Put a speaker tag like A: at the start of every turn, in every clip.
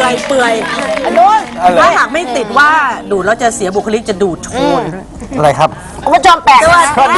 A: เปื่อยถ้าหากไม่ติดว่าดูดแล้วจะเสียบุคลิกจะดูดโชน
B: อะไรครับ
C: คุณผู้ชมแปลกนะ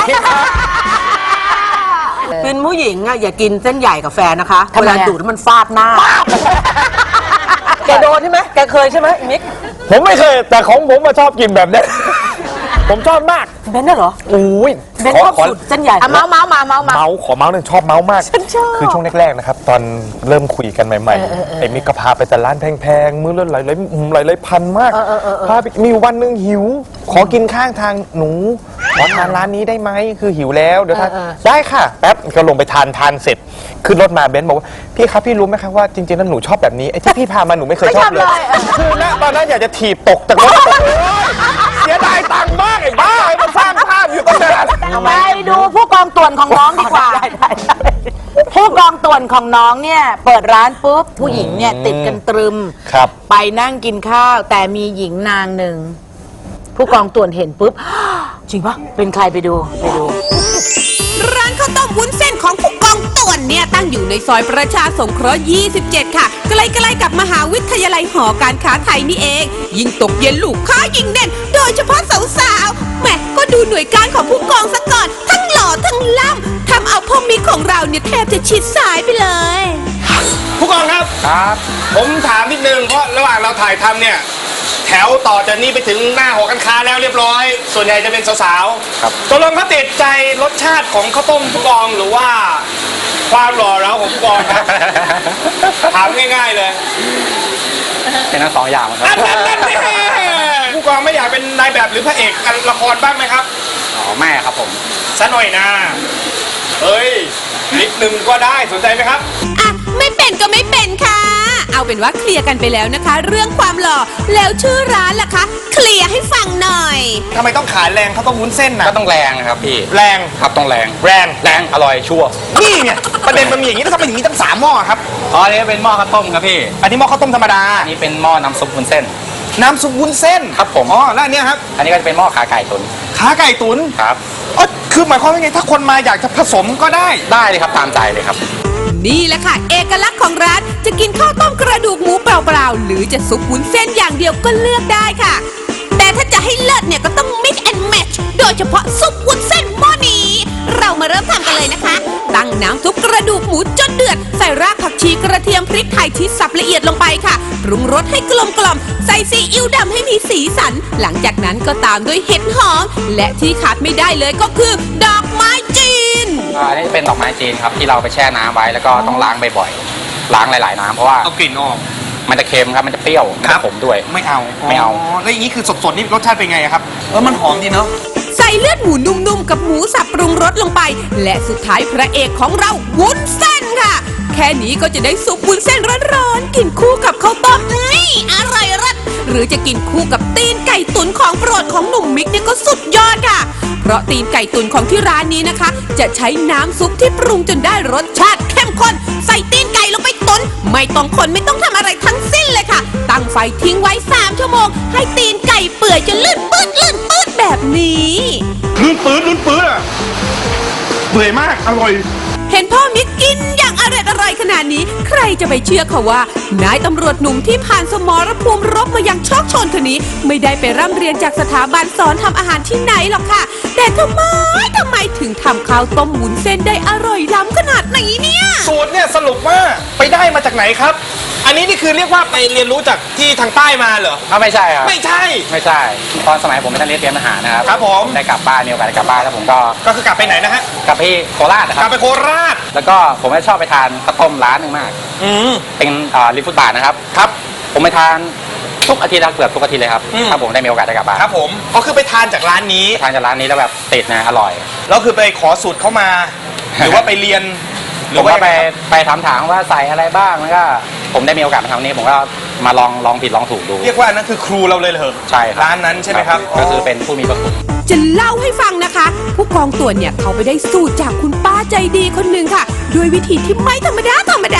A: เป็นผู้หญิงอะอย่ากินเส้นใหญ่กับแฟนนะคะเวลาดูดแล้วมันฟาดหน้าแกโดนใช่ไหมแกเคยใช่ไหมมิก
B: ผมไม่เคยแต่ของผมมาชอบกินแบบนี้ ผมชอบมาก
A: เบนน่ะเหรอ
B: อุ้ย
A: เบนชอบสูตรเส้นใหญ่
C: เมาขอเมาส์
B: หนึ่งชอบเมาส์มากคือช่วงแรกๆนะครับตอนเริ่มคุยกันใหม่ๆไอ้มิกก็พาไปแต่ร้านแพงๆมื้อละหลายพันมากพาไปมีวันหนึ่งหิวขอกินข้างทางหนูขอทานร้านนี้ได้ไหมคือหิวแล้วเดี๋ยวทานได้ค่ะแป๊บก็ลงไปทานเสร็จขึ้นรถมาเบนบอกว่าพี่ครับพี่รู้ไหมครับว่าจริงๆแล้วหนูชอบแบบนี้ไอ้ที่พี่พามาหนูไม่เคยชอบเลยคือณตอนนั้นอยากจะถีบตกจากรถเสียดายตังค์มากไอ้บ้ามาสร้างภาพอยู่ตั้งนาน
C: ไปดูผู้กองต่วนของน้องดีกว่าผู้กองต่วนของน้องเนี่ยเปิดร้านปุ๊บผู้หญิงเนี่ยติดกันตรึม
B: ครับ
C: ไปนั่งกินข้าวแต่มีหญิงนางหนึ่งผู้กองต่วนเห็นปุ๊บ จริงปะเป็นใครไปดู
D: ร้านข้าวต้มวุ้นเส้นของผู้กองต่วนเนี่ยตั้งอยู่ในซอยประชาสงเคราะห์ 27 ค่ะใกล้ๆกับมหาวิทยาลัยหอการค้าไทยนี่เอง ยิ่งตกเย็นลูกค้ายิ่งแน่น โดยเฉพาะสาวๆแหมก็ดูหน่วยการของผู้กองซะก่อน ทั้งหล่อทั้งล่ำทำเอาพ่อมิกของเราเนี่ยแทบจะชิดสายไปเลย
E: ผู้กองครับ
B: ครับ
E: ผมถามนิดนึงเพราะระหว่างเราถ่ายทำเนี่ยแถวต่อจากนี้ไปถึงหน้าหอการค้าแล้วเรียบร้อย ส่วนใหญ่จะเป็นสาวๆ
B: ครับ
E: ตกลงเขาติดใจรสชาติของข้าวต้มผู้กองหรือว่าความหล่อเราของผู้กองครับ ถามง่ายๆเลย
B: เป็นทั้งสองอย่างครับ
E: นั่นผู้กองไม่อยากเป็นนายแบบหรือพระเอกละครบ้างไหมครับ
B: อ๋อแม่ครับผม
E: ซะหน่อยนะเฮ้ยนิดนึงก็ได้สนใจไหมครับ
D: อ่ะไม่เป็นก็ไม่เป็นค่ะ เอาเป็นว่าเคลียร์กันไปแล้วนะคะ เรื่องความหล่อแล้วชื่อร้านล่ะคะ เคลียร์ให้ฟังหน่อย
E: ทำไมต้องขายแรงข้าวต้มวุ้นเส้นนะ
B: ก็ต้องแรงนะครับพี่
E: แรง
B: ครับต้องแรง
E: แรง
B: แรงอร่อยชัวร์
E: นี่ไงประเด็นมันมีอย่างนี้แล้วทำไมอย่างนี้ตั้ง3 หม้อครับ
B: อ๋ออันนี้เป็นหม้อข้าวต้มครับพี่
E: อันนี้หม้อข้าวต้มธรรมดา
B: อันนี้เป็นหม้อน้ำซุปวุ้นเส้น
E: น้ำซุปวุ้นเส้น
B: ครับผม
E: อ๋อแล้วอันเนี้ยครับ
B: อันนี้ก็จะเป็นหม้อขาไก่ตุ๋น
E: ขาไก่ตุ๋น
B: ครับ
E: อ๋อคือหมายความว่าไงถ้าคนมาอยากจะผสมก็ได้
B: ได้เลยครับตามใจเลยครับ
D: นี่แหละค่ะ เอกลักษณ์ของร้านจะกินข้าวต้มกระดูกหมูเปล่าๆหรือจะซุปวุ้นเส้นอย่างเดียวก็เลือกได้ค่ะ แต่ถ้าจะให้เลิศเนี่ยก็ต้อง mix and match โดยเฉพาะซุปวุ้นเส้นหม้อนี้ เรามาเริ่มทำกันเลยนะคะ ตั้งน้ำซุปกระดูกหมูจนเดือดใส่รากผักชีกระเทียมพริกไทยที่สับละเอียดลงไปค่ะปรุงรสให้กลมกล่อมใส่ซีอิ๊วดำให้มีสีสัน หลังจากนั้นก็ตามด้วยเห็ดหอมและที่ขาดไม่ได้เลยก็คือดอกไม้จีน
B: อันนี้เป็นดอกไม้จีนครับที่เราไปแช่น้ำไว้แล้วก็ต้องล้างบ่อยๆล้างหลายๆน้ำเพราะว่า
E: เอากลิ่นออก
B: มันจะเค็มครับมันจะเปรี้ยวมันจะขมด้วย
E: ไม่เอา
B: ไม่เอา
E: แล้วอย่างนี้คือสดๆนี่รสชาติเป็นไงครับมันหอมดีเนาะ
D: ใส่เลือดหมูนุ่มๆกับหมูสับปรุงรสลงไป และสุดท้ายพระเอกของเราวุ้นเส้นค่ะ แค่นี้ก็จะได้ซุปวุ้นเส้นร้อนๆกินคู่กับข้าวต้มนี่อร่อยรัดหรือจะกินคู่กับตีนไก่ตุ๋นของโปรดของหนุ่มมิกเนี่ยก็สุดยอดค่ะ เพราะตีนไก่ตุ๋นของที่ร้านนี้นะคะ จะใช้น้ำซุปที่ปรุงจนได้รสชาติเข้มข้นใส่ตีนไก่ลงไปตุ๋นไม่ต้องคนไม่ต้องทำอะไรทั้งสิ้นเลยค่ะ ตั้งไฟทิ้งไว้3 ชั่วโมงให้ตีนไก่เปื่อยจนลื่นปื๊ดแบบนี้
E: ลื่นปื้ดอะเบื่อมากอร่อย
D: เห็นพ่อมิกกินอย่างอร่อยขนาดนี้ ใครจะไปเชื่อเขาว่านายตำรวจหนุ่มที่ผ่านสมรภูมิรบมาอย่างโชคโชนคนนี้ ไม่ได้ไปร่ำเรียนจากสถาบันสอนทำอาหารที่ไหนหรอกค่ะ แต่ทำไมถึงทำข้าวต้มวุ้นเส้นได้อร่อยล้ำขนาดนี้เนี่ย
E: สูตรเนี่ยสรุปว่าไปได้มาจากไหนครับ อันนี้นี่คือเรียกว่าไปเรียนรู้จากที่ทางใต้มาเหรอ
B: ไม่ใช่ครับ
E: ไม่ใช่
B: ไม่ใช่ตอนสมัยผมเป็นนักเรียนเตรียมทหารนะครับ
E: ครับผม
B: ได้กลับบ้านมีโอกาสได้กลับบ้านแล้วผมก็
E: ก็คือกลับไปไหนนะฮะ
B: กลับไปโคราชนะค
E: กลั
B: รั
E: บบ ไปโคราช
B: แล้วก็ผมก็ชอบไปทานข้าวต้มร้านหนึ่งมาก เป็นริมฟุตบาทนะครับ
E: ครับ
B: ผมไปทานทุกอาทิตย์นะเกือบทุกอาทิตย์เลยครับ ถ้าผมได้มีโอกาสได้กลับบ้าน
E: ครับผมก็คือไปทานจากร้านนี้
B: ไปทานจากร้านนี้แล้วแบบติดนะอร่อย
E: แล้วคือไปขอสูตรเข้ามา หรือว่าไปเรียนห
B: ผ
E: รือ
B: ม
E: ว่า
B: ก็ไปถามว่าใส่อะไรบ้างแล้วก็ผมได้มีโอกาสมาทำนี้ผมก็มาลองผิดลองถูกดู
E: เรียกว่านั่นคือครูเราเลยเหรอ
B: ใช่ครับ
E: ร้านนั้นใช่ไหมครับ
B: ก็คือเป็นผู้มีพระคุณ
D: จะเล่าให้ฟังนะคะ ผู้กองต่วนเนี่ยเขาไปได้สูตรจากคุณป้าใจดีคนหนึ่งค่ะด้วยวิธีที่ไม่ธรรมดา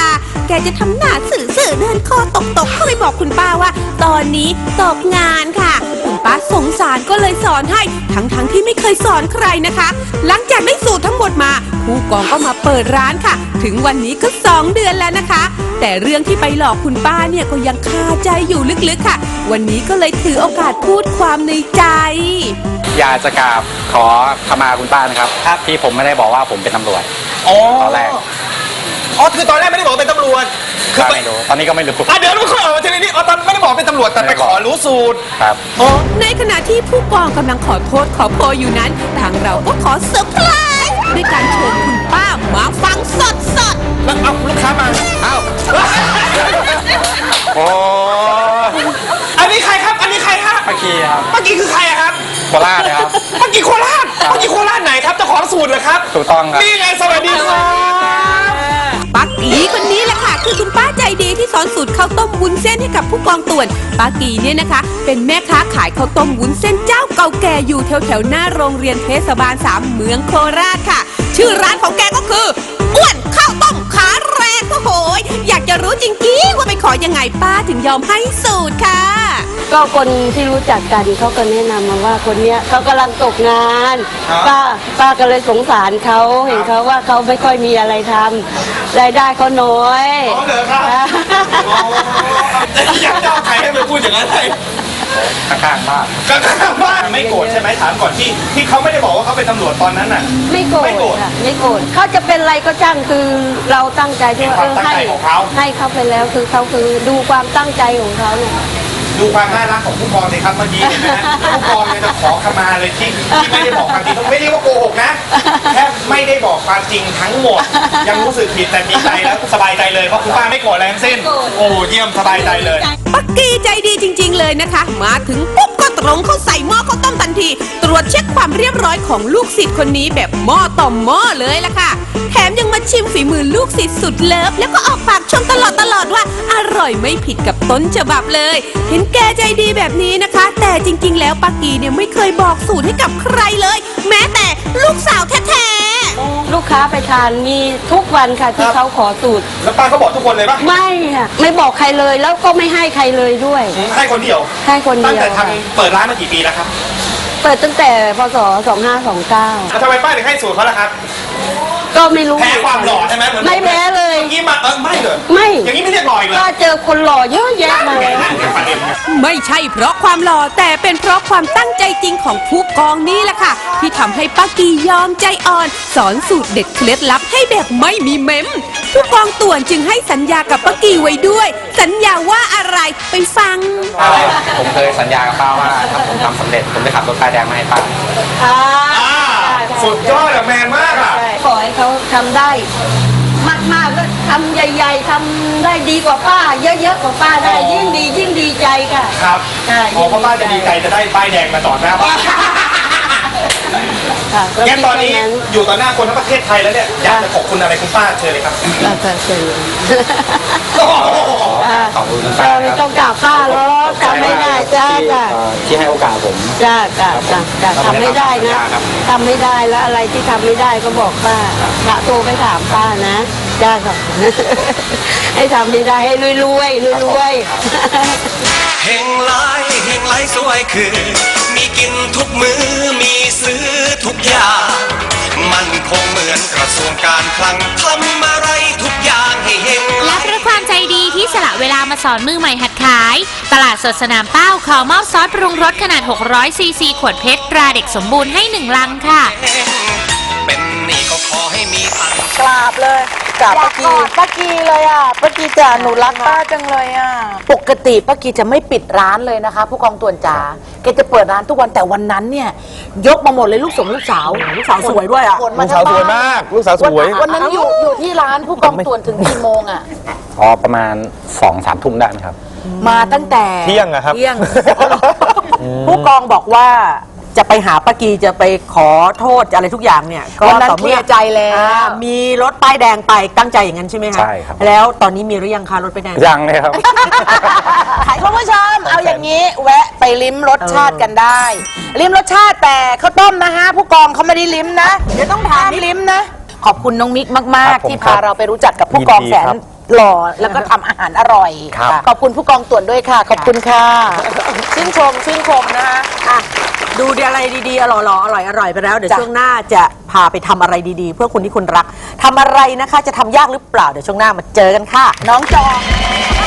D: แกจะทำหน้าสื่อๆเดินคอตกก็เลยบอกคุณป้าว่า ตอนนี้ตกงานค่ะคุณป้าสงสารก็เลยสอนให้ทั้งที่ไม่เคยสอนใครนะคะ หลังจากได้สูตรทั้งหมดมาผู้กองก็มาเปิดร้านค่ะ ถึงวันนี้ก็2 เดือนแล้วนะคะ แต่เรื่องที่ไปหลอกคุณป้าเนี่ยก็ยังคาใจอยู่ลึกๆค่ะ วันนี้ก็เลยถือโอกาสพูดความในใจ
F: อยากจะกราบขอขมาคุณป้านะครับที่ผมไม่ได้บอกว่าผมเป็นตำรวจ
E: อ๋อ
F: ตอนแรก
E: อ๋อคือตอนแรกไม่ได้บอกว่าเป็นตำรวจคือไป
F: ไม่รู้ตอนนี้ก็ไม่รู้
E: เดี๋ยวเราขอทีนี้อ๋อตอนไม่ได้บอกเป็นตำรวจแต่ไปขอรู้สูตร
F: ครับ
D: ในขณะที่ผู้กองกำลังขอโทษขอโพยอยู่นั้น ทางเราก็ขอเซอร์ไพรส์ด้วยการเชิญคุณป้ามาฟังสด
E: แล้วเอาลูกค้ามาเอา
F: โอ้
E: อันนี้ใครครับ อันนี้ใครครับ
F: ป้ากีครับ
E: ป้ากีคือใครอะครับ
F: โคราชนะครับ
E: ป้ากีโคราชป้ากีโคราชไหนครับเจ้าของสูตรเหรอครับ
F: ถูกต้องครับ
E: นี่ไงสวัสดีครับ
D: ๆปักกีคนนี้แหละค่ะคือคุณป้าใจดีที่สอนสูตรข้าวต้มวุ้นเส้นให้กับผู้กองต่วนป้ากีเนี่ยนะคะ เป็นแม่ค้าขายข้าวต้มวุ้นเส้นเจ้าเก่าแก่อยู่แถวหน้าโรงเรียนเทศบาล 3 เมืองโคราชค่ะ ชื่อร้านของแกก็คืออ้วนข้าวต้มขาแรงโอ้โหยอยากจะรู้จริงๆว่าไปขอยังไงป้าถึงยอมให้สูตรค่ะ
G: ก็คนที่รู้จักกันเขาก็แนะนำมาว่าคนเนี้ยเขากำลังตกงาน ป้าก็เลยสงสารเขาเห็นเขาว่าเขาไม่ค่อยมีอะไรทำรายได้เขาน้อย
E: อ๋อเหรอครับ อยากจะเอาใครให้ไปพูดอย่างนั้นเลย
F: ข้างๆบ้าน
E: ก็ว่าไม่โกรธใช่ไหมถามก่อนที่เขาไม่ได้บอกว่าเขาเป็นตำรวจตอนนั้นน่ะ
G: ไม่โกร
E: ไม่โกร
G: ธ
E: ธ
G: ค่ะไม่โกรธเขาจะเป็นอะไรก็ช่างคือเราตั้งใจที่ว่า
E: เป็นความตั้งใจของเขา
G: ให้เขาไปแล้วคือเขาคือดูความตั้งใจของเขาเนี่ย
E: ดูความน่ารักของผู้กองเลยครับเมื่อกี้เห็นไหมฮะผู้กองเนี่ยจะขอขมาเลยที่ไม่ได้บอกความจริงไม่ได้ว่าโกหกนะแค่ไม่ได้บอกความจริงทั้งหมด ยังรู้สึกผิดแต่ดีใจแล้วสบายใจเลยเพราะคุณป้าไม่โกรธอะไรทั้งสิ้นโอ้เยี่ยมสบายใจเลย
D: ปักกี้ใจดีจริง ๆ เลยนะคะ มาถึงปุ๊บก็ตรงเข้าใส่หม้อข้าวต้มทันที ตรวจเช็คความเรียบร้อยของลูกศิษย์คนนี้แบบหม้อต่อหม้อเลยล่ะค่ะ แถมยังมาชิมฝีมือลูกศิษย์สุดเลิฟแล้วก็ออกปากชมตลอดว่าอร่อยไม่ผิดกับต้นฉบับเลย เห็นแกใจดีแบบนี้นะคะ แต่จริง ๆ แล้วปักกี้เนี่ยไม่เคยบอกสูตรให้กับใครเลย แม้แต่ลูกสาวแท้ๆ
G: ลูกค้าไปทานมีทุกวันค่ะที่เขาขอสูตร
E: แล้วป้าก็บอกทุกคนเลยปะ
G: ไม่ค่ะไม่บอกใครเลยแล้วก็ไม่ให้ใครเลยด้วย
E: ให้คนเดียว
G: ให้คน
E: ตั้ง
G: เดียว
E: แต่
G: ค่ะ
E: ทำเปิดร้านมากี่ปีแล้วครับ
G: เปิดตั้งแต่พศ 2529
E: แล้วทำไมป้าถึงให้สูตรเขาล่ะครับ
G: ก็ไม่รู้
E: แพ้ความหล่อใช่ไหมเหมือน
G: ไม่แพ้เลย
E: อย่างนี้มาไม่เหรอ
G: ไม่
E: อย่างนี้ไม่เรียกหล่ออีกเหรอ
G: ก็เจอคนหล่อเยอะแยะมา
E: เดี๋ยวประเด็น
D: ไม่ใช่เพราะความหล่อแต่เป็นเพราะความตั้งใจจริงของผู้กองนี่แหละค่ะ ที่ทำให้ป้ากียอมใจอ่อน สอนสูตรเด็ดเคล็ดลับให้แบบไม่มีเมมผู้กองต่วนจึงให้สัญญากับป้ากีไว้ด้วย สัญญาว่าอะไรไปฟัง
F: ผมเคยสัญญากับป้าว่าถ้าผมทำสำเร็จผมจะขับรถป้ายแดงมาให้ป้า
E: สุดยอดอะแมนมากอะ
G: ขอให้เขาทำได้ มากๆก็ทำใหญ่ๆทำได้ดีกว่าป้า เยอะๆกว่าป้าได้ยิ่งดีใจค่ะ
E: ครับ
G: ใช่
E: โอ้พ่อป้าจะดีใจจะได้ป้ายแดงมาต่อหน้าบ้าน
G: ค่ะก็
E: งั้นตอนนี้
G: คิดแค่
E: อยู่ต่อหน้าคนทั้งประเทศไทยแล้วเนี่ยอยากจะขอบคุณอะไรคุณป้าเชิญเลยครับ
G: แล้วก็เชิญ
F: ขอบคุณคุณ
G: เอ
F: ป้า
G: อไม่
F: ค
G: ต้
F: รั
G: อบ งกราบป้าหรอกทำไม่ได้จ้า
F: ที่ให้โอกาสผม
G: จ้าทำไม่ได้นะทำไม่ได้แล้วอะไรที่ทำไม่ได้ก็บอกป้าโทรไปถามป้านะจ้าค่ะ ให้ทำไม่ได้ให้รวย
H: เฮงไลสวยคือ มีกินทุกมือมีซื้อทุกอย่าง มันคงเหมือนกระทรวงการคลังทำอะไรทุกอย่างให้เฮงไล
I: และเพราะความใจดีที่สละเวลามาสอนมือใหม่หัดขาย ตลาดสดสนามเป้าขอมอบซอสปรุงรสขนาด 600 ซีซี ขวดเพชรตราเด็กสมบูรณ์ให้ 1 ลังค่ะ
H: เป็นหนี่ก็ขอให้มีตังค์
C: กราบเลยกราบป้ากีเลยอ่ะป้ากีจ๋าหนูรักป้าจังเลยอ่ะปกติป้ากีจะไม่ปิดร้านเลยนะคะ ผู้กองต่วนจ๋าแกจะเปิดร้านทุกวันแต่วันนั้นเนี่ยยกมาหมดเลยลูกสาวสวยด้วยอ่ะ
B: ลูกสาวสวยมาก ลูกสาวสวย
C: วันนั้นอยู่ที่ร้านผู้กองต่วนถึงกี่โมงอ่ะ
F: อ๋อประมาณ 2-3 ทุ่มได้ไหมครับ
C: มาตั้งแต่
B: เที่ยงอะครับ
A: ผู้กองบอกว่าจะไปหาป้ากีจะไปขอโทษอะไรทุกอย่างเนี่ยก็
C: วันนั้น
A: ต่อ
C: เคลียร์ใจแล้ว
A: มีรถป้ายแดงไปตั้งใจอย่างนั้นใช่ไหมคะ
F: ใช่ครับ
A: แล้วตอนนี้มีหรือยังคะรถป้ายแดง
F: ยังเลยครับ
C: คุณผู้ชมเอาอย่างนี้แวะไปลิ้มรสชาติกันได้ ลิ้มรสชาติแต่ข้าวต้มนะฮะผู้กองเขาไม่ได้ลิ้มนะเดี๋ยวต้องทานลิ้มนะ ขอบคุณน้องมิกมาก
B: ครับผม
C: ๆที่พาเราไปรู้จักกับผู้กอง
B: ยินดี
C: แสน
B: ครับ
C: หล่อแล้วก็ทำอาหารอร่อย
B: ครับ
C: ขอบคุณผู้กองต่วนด้วยค่ะ ขอบคุณค่ะ
A: ชื่นชมนะคะอ่ะดูอะไรดีๆอร่อยอร่อยไปแล้วเดี๋ยวช่วงหน้าจะพาไปทำอะไรดีๆ เพื่อคนที่คุณรักทำอะไรนะคะ จะทำยากหรือเปล่าเดี๋ยวช่วงหน้ามาเจอกันค่ะ
C: น้องจอง